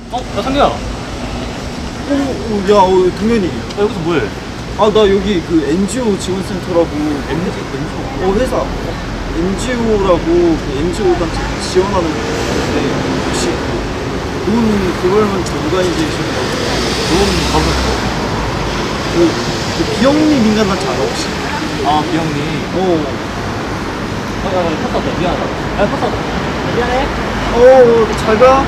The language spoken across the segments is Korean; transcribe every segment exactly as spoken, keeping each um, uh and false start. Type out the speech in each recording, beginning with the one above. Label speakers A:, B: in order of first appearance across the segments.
A: 어? 야 상규야. 야
B: 어, 어, 야, 어, 동현이.
A: 여기서 뭐해?
B: 아, 나 여기 그 엔지오 지원센터라고. 엔지오? 어, 회사. 엔지오라고 그 엔지오 단체 지원하는 건데, 혹시 돈 그걸만 전가해주시는
A: 돈 가보셨어?
B: 그, 그 비영리 민간단체 알아, 혹시?
A: 아 비영리.
B: 어.
A: 어, 야, 야, 탔다, 왔다. 미안하다. 야, 탔다. 왔다. 미안해.
B: 어, 어, 잘 가.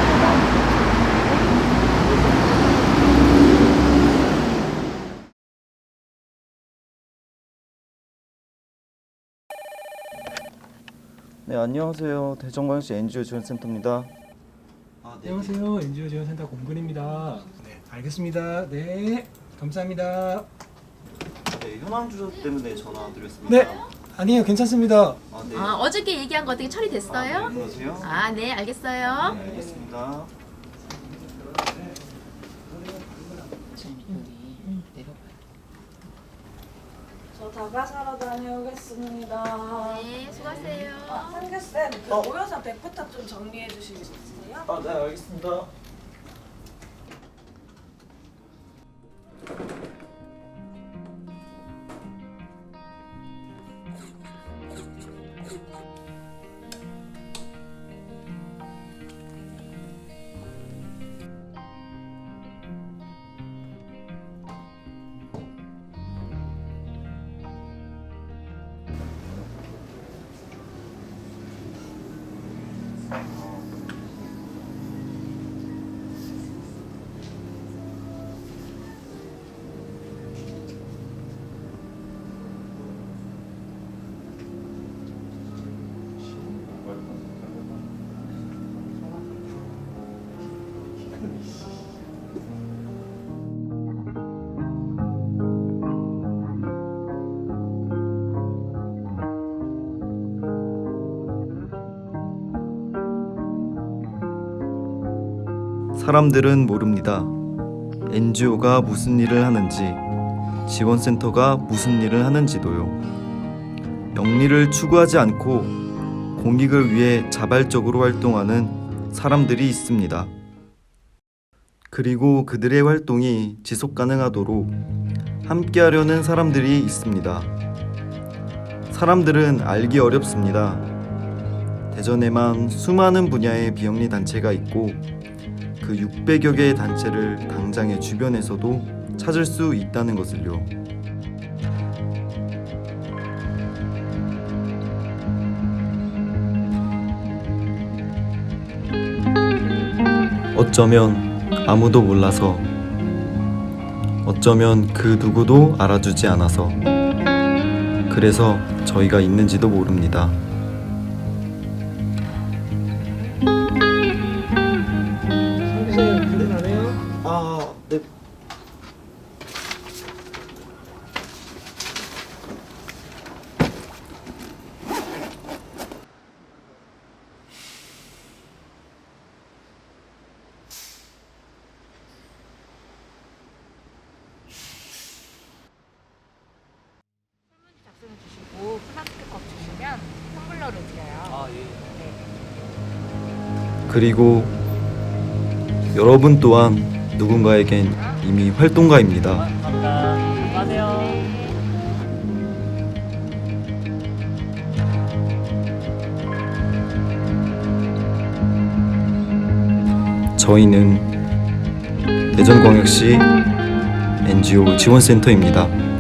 B: 네, 안녕하세요. 대전광역시 엔지오 지원센터입니다. 아, 네.
C: 안녕하세요. 엔지오 지원센터 공근입니다. 네, 알겠습니다. 네, 감사합니다.
B: 네, 현황 주소 때문에 전화드렸습니다.
C: 네, 아니에요. 괜찮습니다.
B: 아, 네.
D: 아, 어저께 얘기한 거 어떻게 처리됐어요?
B: 아, 네, 그러세요?
D: 아, 네, 알겠어요.
B: 네, 알겠습니다.
E: 저 다가사러 다녀오겠습니다.
D: 네, 수고하세요.
E: 아, 상규쌤, 그
B: 어.
E: 모여서 백부탁 좀 정리해 주실 수 있으세요?
B: 아, 네, 알겠습니다.
F: 사람들은 모릅니다. 엔지오가 무슨 일을 하는지, 지원센터가 무슨 일을 하는지도요. 영리를 추구하지 않고 공익을 위해 자발적으로 활동하는 사람들이 있습니다. 그리고 그들의 활동이 지속 가능하도록 함께하려는 사람들이 있습니다. 사람들은 알기 어렵습니다. 대전에만 수많은 분야의 비영리 단체가 있고 그 육백여 개의 단체를 당장의 주변에서도 찾을 수 있다는 것을요. 어쩌면 아무도 몰라서, 어쩌면 그 누구도 알아주지 않아서, 그래서 저희가 있는지도 모릅니다.
C: 상규쌤, 근데 안 해요?
B: 아, 네.
G: 작성해 주시고 플라스틱 컵 주시면 텀블러를 드려요.
A: 아 예.
F: 그리고 여러분 또한 누군가에겐 이미 활동가입니다.
A: 감사합니다. 수고하세요.
F: 저희는 대전광역시 엔지오 지원센터입니다.